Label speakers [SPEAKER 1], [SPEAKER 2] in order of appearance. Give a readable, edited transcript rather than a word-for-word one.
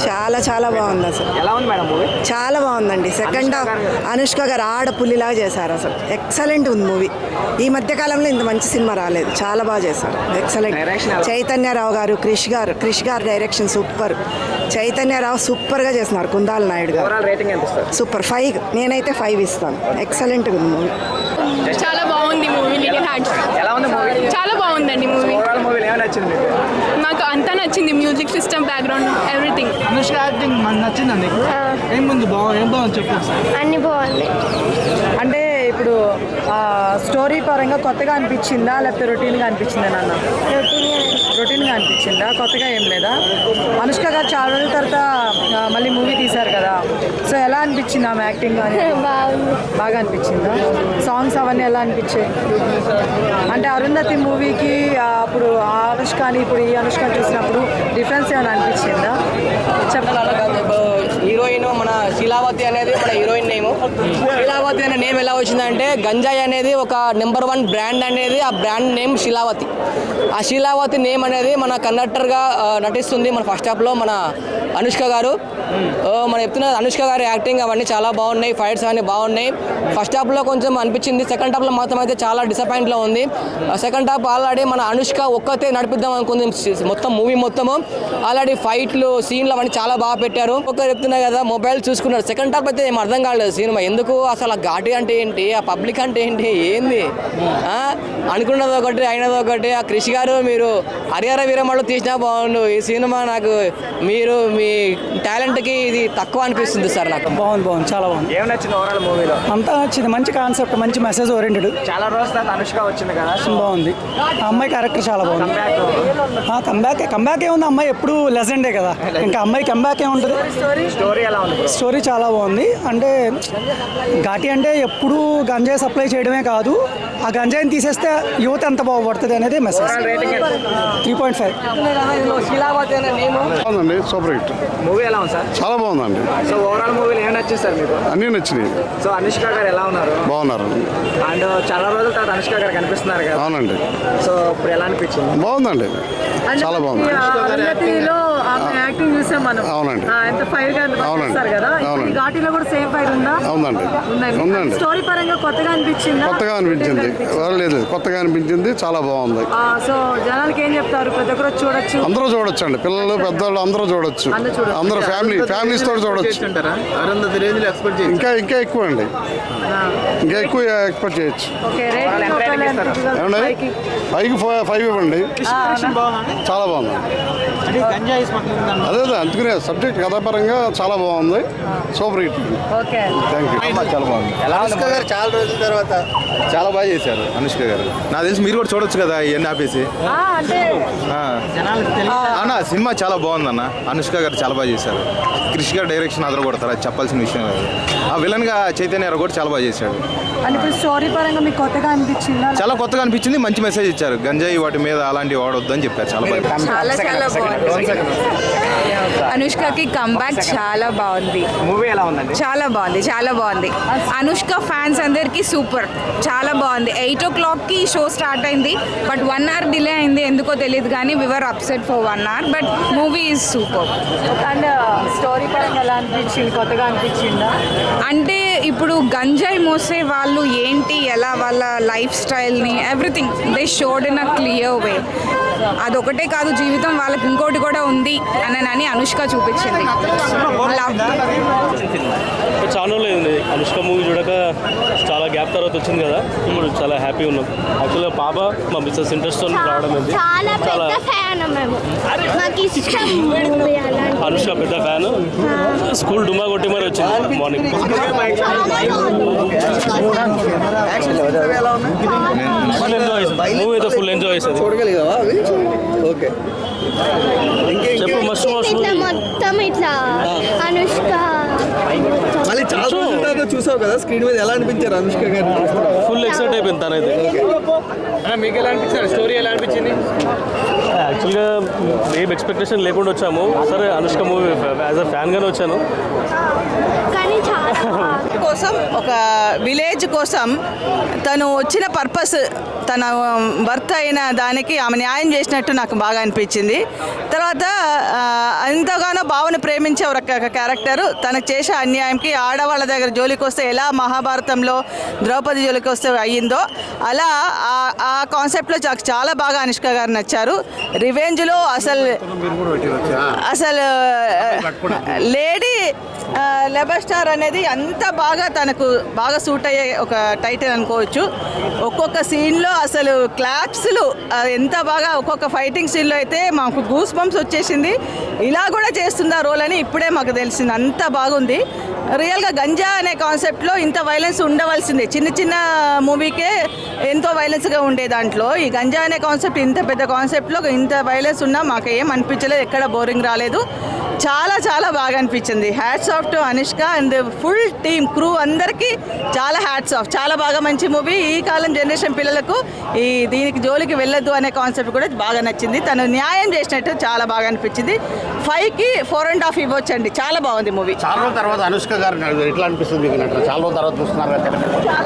[SPEAKER 1] చాలా చాలా బాగుంది అసలు.
[SPEAKER 2] ఎలా ఉంది మేడం మూవీ?
[SPEAKER 1] చాలా బాగుందండి. సెకండ్ హాఫ్ అనుష్క గారు ఆడపుల్లిలాగా చేశారు అసలు. ఎక్సలెంట్ ఉంది మూవీ. ఈ మధ్య కాలంలో ఇంత మంచి సినిమా రాలేదు. చాలా బాగా చేశారు. ఎక్సలెంట్. చైతన్యరావు గారు, క్రిష్ గారు డైరెక్షన్ సూపర్. చైతన్యరావు సూపర్గా చేస్తున్నారు. కుందాల నాయుడు గారు సూపర్. 5 నేనైతే 5 ఇస్తాను. ఎక్సలెంట్ ఉంది మూవీ.
[SPEAKER 3] చాలా బాగుంది మూవీ. చాలా బాగుందండి మూవీ. నాకు అంతా నచ్చింది. Music system, background, everything.
[SPEAKER 2] Anushka acting నచ్చిందండి. ఏం బాగుంది చెప్పు.
[SPEAKER 4] అన్ని బాగుంది.
[SPEAKER 1] అంటే ఇప్పుడు స్టోరీ పరంగా కొత్తగా అనిపించిందా లేకపోతే రొటీన్గా అనిపించిందా నాన్న? రొటీన్గా అనిపించిందా? కొత్తగా ఏం లేదా? అనుష్క గారు చాలా రోజుల తర్వాత మళ్ళీ మూవీ తీశారు కదా, సో ఎలా అనిపించింది ఆమె యాక్టింగ్? బాగా అనిపించిందా? సాంగ్స్ అవన్నీ ఎలా అనిపించాయి? అంటే అరుంధతి మూవీకి అప్పుడు ఆ అనుష్కని ఇప్పుడు ఈ అనుష్కని చూసినప్పుడు డిఫరెన్స్ ఏమైనా అనిపించిందా?
[SPEAKER 5] హీరోయిన్ మన శీలావతి అనేది మన హీరోయిన్ నేమ్. శీలావతి అనే నేమ్ ఎలా వచ్చిందంటే గంజాయి అనేది ఒక నెంబర్ 1 బ్రాండ్ అనేది, ఆ బ్రాండ్ నేమ్ శీలావతి. ఆ శీలావతి నేమ్ అనేది మన కండక్టర్గా నటిస్తుంది మన ఫస్ట్ హాఫ్లో మన అనుష్క గారు. మనం చెప్తున్న అనుష్క గారి యాక్టింగ్ అవన్నీ చాలా బాగున్నాయి. ఫైట్స్ అవన్నీ బాగున్నాయి. ఫస్ట్ హాఫ్లో కొంచెం అనిపించింది. సెకండ్ హాఫ్లో మాత్రం అయితే చాలా డిసప్పాయింట్లో ఉంది. సెకండ్ హాఫ్ ఆల్రెడీ మన అనుష్క ఒక్కతే నడిపిద్దాం అనుకుంది మొత్తం మూవీ మొత్తము. ఆల్రెడీ ఫైట్లు సీన్లు అవన్నీ చాలా బాగా పెట్టారు. ఒకరు చెప్తున్నా కదా మొబైల్ చూసుకున్నారు. సెకండ్ హాఫ్ అయితే ఏం అర్థం కాలేదు సినిమా. ఎందుకు అసలు ఆ ఘాటి అంటే ఏంటి, ఆ పబ్లిక్ అంటే ఏంటి, ఏంది అనుకున్నది ఒకటి అయినది ఒకటి. ఆ క్రిష్ గారు మీరు హరిహర వీరమల్లో తీసినా బాగుండు. ఈ సినిమా నాకు మీరు మీ టాలెంట్కి ఇది తక్కువ అనిపిస్తుంది సార్. నాకు
[SPEAKER 2] బాగుంది చాలా బాగుంది.
[SPEAKER 6] ఏం నచ్చింది ఓవరాల్ మూవీలో?
[SPEAKER 2] అంతా నచ్చింది. మంచి కాన్సెప్ట్, మంచి మెసేజ్ ఓరియంటెడ్.
[SPEAKER 6] చాలా రోజుల తర్వాత అనుష్క వచ్చింది కదా,
[SPEAKER 2] బాగుంది. ఆ అమ్మాయి క్యారెక్టర్ చాలా బాగుంది. కంబ్యాక్ ఏముంది, అమ్మాయి ఎప్పుడు లెజెండే కదా, ఇంకా అమ్మాయి కంబ్యాక్ ఏముంటుంది.
[SPEAKER 6] స్టోరీ ఎలా ఉంది?
[SPEAKER 2] స్టోరీ చాలా బాగుంది. అంటే ఘాటి అంటే ఎప్పుడు గంజాయి సప్లై చేయడమే కాదు, ఆ గంజాయిని తీసేస్తే యువత ఎంత బాగుపడుతుంది అనేది మెసేజ్. 3.5.
[SPEAKER 5] శీలావతి అనే నేమ్
[SPEAKER 7] బాగుందండి. సూపర్ హిట్
[SPEAKER 6] మూవీ ఎలా ఉంది సార్?
[SPEAKER 7] చాలా బాగుందండి.
[SPEAKER 6] సో ఓవరాల్ మూవీలో ఏం నచ్చింది సార్ మీకు?
[SPEAKER 7] అన్నీ నచ్చినాయి.
[SPEAKER 6] సో అనుష్క గారు ఎలా ఉన్నారు?
[SPEAKER 7] బాగున్నారు.
[SPEAKER 6] అండ్ చాలా రోజుల తర్వాత అనుష్క గారు కనిపిస్తున్నారు కదా.
[SPEAKER 7] అవునండి.
[SPEAKER 6] సో ఇప్పుడు ఎలా అనిపించింది?
[SPEAKER 7] బాగుందండి. చాలా బాగుంది.
[SPEAKER 1] యాక్టింగ్ చూసాం మనం.
[SPEAKER 7] అవునండి.
[SPEAKER 1] ఎంత ఫైర్ గా
[SPEAKER 7] అవునండి.
[SPEAKER 1] కదా.
[SPEAKER 7] అవునండి.
[SPEAKER 1] ఘాటీలో కూడా సేమ్ ఫైర్ ఉందా?
[SPEAKER 7] అవునండి. ఉందండి.
[SPEAKER 1] స్టోరీ పరంగా కొత్తగా అనిపించింది.
[SPEAKER 7] కొత్తగా అనిపించింది. లేదు, కొత్తగా అనిపించింది. చాలా బాగుంది.
[SPEAKER 1] సో జనాలకి ఏం చెప్తారు? ప్రతి ఒక్కరు చూడొచ్చు.
[SPEAKER 7] అందరూ చూడొచ్చు అండి. పిల్లలు పెద్దవాళ్ళు అందరూ చూడొచ్చు. అందరూ ఫ్యామిలీస్ తోటి చూడొచ్చు. ఇంకా ఎక్కువ అండి. ఇంకా ఎక్కువ ఎక్స్పెక్ట్ చేయొచ్చు. ఏమండి 5 ఇవ్వండి. చాలా బాగుంది. అదే అందుకునే సబ్జెక్ట్ కథాపరంగా చాలా బాగుంది. Super hit. Thank you.
[SPEAKER 8] చాలా బాగుంది. అనుష్క గారు చాలా రోజుల తర్వాత చాలా బాగా చేశారు. అనుష్క గారు నాకు తెలిసి మీరు కూడా చూడొచ్చు కదా ఇవన్నీ ఆపేసి. అన్న సినిమా చాలా బాగుందన్న. అనుష్క గారు చాలా బాగా చేశారు. క్రిష్ గారు డైరెక్షన్ అదర కొడతారు, అది చెప్పాల్సిన విషయం లేదు. ఆ విలన్ గా చైతన్య కూడా చాలా బాగా చేశాడు.
[SPEAKER 1] స్టోరీ పరంగా మీకు కొత్తగా అనిపించిందా?
[SPEAKER 8] చాలా కొత్తగా అనిపించింది. మంచి మెసేజ్ ఇచ్చారు. గంజాయి వాటి మీద అలాంటివి వాడొద్దు అని చెప్పారు. చాలా బాగా
[SPEAKER 3] అనుష్కకి కంబ్యాక్ చాలా బాగుంది.
[SPEAKER 6] మూవీ ఎలా ఉందండి?
[SPEAKER 3] చాలా బాగుంది. అనుష్క ఫ్యాన్స్ అందరికి సూపర్. చాలా బాగుంది. 8 o'clockకి షో స్టార్ట్ అయింది, బట్ 1 hour డిలే అయింది. ఎందుకో తెలియదు కానీ we were upset for 1 hour, but movie is super.
[SPEAKER 1] And story పరంగా ఎలా అనిపించింది? కొత్తగా అనిపించిందా?
[SPEAKER 3] అంటే ఇప్పుడు గంజాయి మోసే వాళ్ళు ఏంటి, ఎలా వాళ్ళ లైఫ్ స్టైల్ని everything they showed in a clear way. అదొకటే కాదు, జీవితం వాళ్ళకి ఇంకోటి కూడా ఉంది అని అనుష్క చూపించింది.
[SPEAKER 9] చాలా లేదు అనుష్క మూవీ చూడక, చాలా గ్యాప్ తర్వాత వచ్చింది కదా, ఇప్పుడు చాలా హ్యాపీ ఉన్నాం. యాక్చువల్గా పాప మా మిస్సెస్ ఇంట్రెస్ట్ రావడం ఏంటి, చాలా అనుష్క పెద్ద ఫ్యాన్. స్కూల్ డుమా కొట్టి మరి వచ్చింది మార్నింగ్. మూవీ అయితే ఫుల్ ఎంజాయ్ చేసేది. చెప్పు మస్తు
[SPEAKER 4] మొత్తం ఇట్లా అనుష్క
[SPEAKER 8] మళ్ళీ చాలా చూసావు కదా స్క్రీన్ మీద, ఎలా అనిపించారు అనుష్క గారు?
[SPEAKER 9] ఫుల్ ఎక్సైట్ అయిపోయింది తనైతే.
[SPEAKER 6] మీకు ఎలా అనిపించారు? స్టోరీ ఎలా అనిపించింది?
[SPEAKER 9] యాక్చువల్గా ఏం ఎక్స్పెక్టేషన్ లేకుండా వచ్చాము. సరే అనుష్క మూవీ యాజ్ అ ఫ్యాన్గానే వచ్చాను.
[SPEAKER 4] కానీ చాలా
[SPEAKER 10] కోసం ఒక విలేజ్ కోసం తను వచ్చిన పర్పస్ తన భర్త అయిన దానికి ఆమె న్యాయం చేసినట్టు నాకు బాగా అనిపించింది. తర్వాత ఎంతగానో భావన ప్రేమించే ఒక క్యారెక్టర్ తనకు చేసే అన్యాయంకి ఆడవాళ్ళ దగ్గర జోలికి వస్తే ఎలా మహాభారతంలో ద్రౌపది జోలికి వస్తే అయ్యిందో అలా ఆ కాన్సెప్ట్లో నాకు చాలా బాగా అనుష్క గారు నచ్చారు. రివెంజ్లో అసలు లేడీ లెబర్ స్టార్ అనేది అంత బాగా తనకు బాగా సూట్ అయ్యే ఒక టైటిల్ అనుకోవచ్చు. ఒక్కొక్క సీన్లో అసలు క్లాప్స్లు ఎంత బాగా ఒక్కొక్క ఫైటింగ్ సీన్లో అయితే మాకు గూస్ బంప్స్ వచ్చేసింది. ఇలా కూడా చేస్తుందా రోల్ అని ఇప్పుడే మాకు తెలిసింది. అంత బాగుంది. రియల్గా గంజా అనే కాన్సెప్ట్లో ఇంత వైలెన్స్ ఉండవలసిందే. చిన్న చిన్న మూవీకే ఎంతో వైలెన్స్గా ఉండే దాంట్లో ఈ గంజా అనే కాన్సెప్ట్ ఇంత పెద్ద కాన్సెప్ట్లో ఇంత వైలెన్స్ ఉన్నా మాకు ఏం అనిపించలేదు. ఎక్కడ బోరింగ్ రాలేదు. చాలా చాలా బాగా అనిపించింది. Hats off to Anushka and full team crew అందరికీ చాలా హ్యాట్స్ ఆఫ్. చాలా బాగా మంచి మూవీ. ఈ కాలం జనరేషన్ పిల్లలకు దీనికి జోలికి వెళ్ళొద్దు అనే కాన్సెప్ట్ కూడా బాగా నచ్చింది. తను న్యాయం చేసినట్టు చాలా బాగా అనిపించింది. 5కి 4.5 ఇవ్వచ్చండి. చాలా బాగుంది మూవీ.
[SPEAKER 11] చాలా రోజుల తర్వాత అనుష్క గారు ఎట్లా అనిపిస్తుంది? చాలా రోజుల తర్వాత చూస్తున్నారు.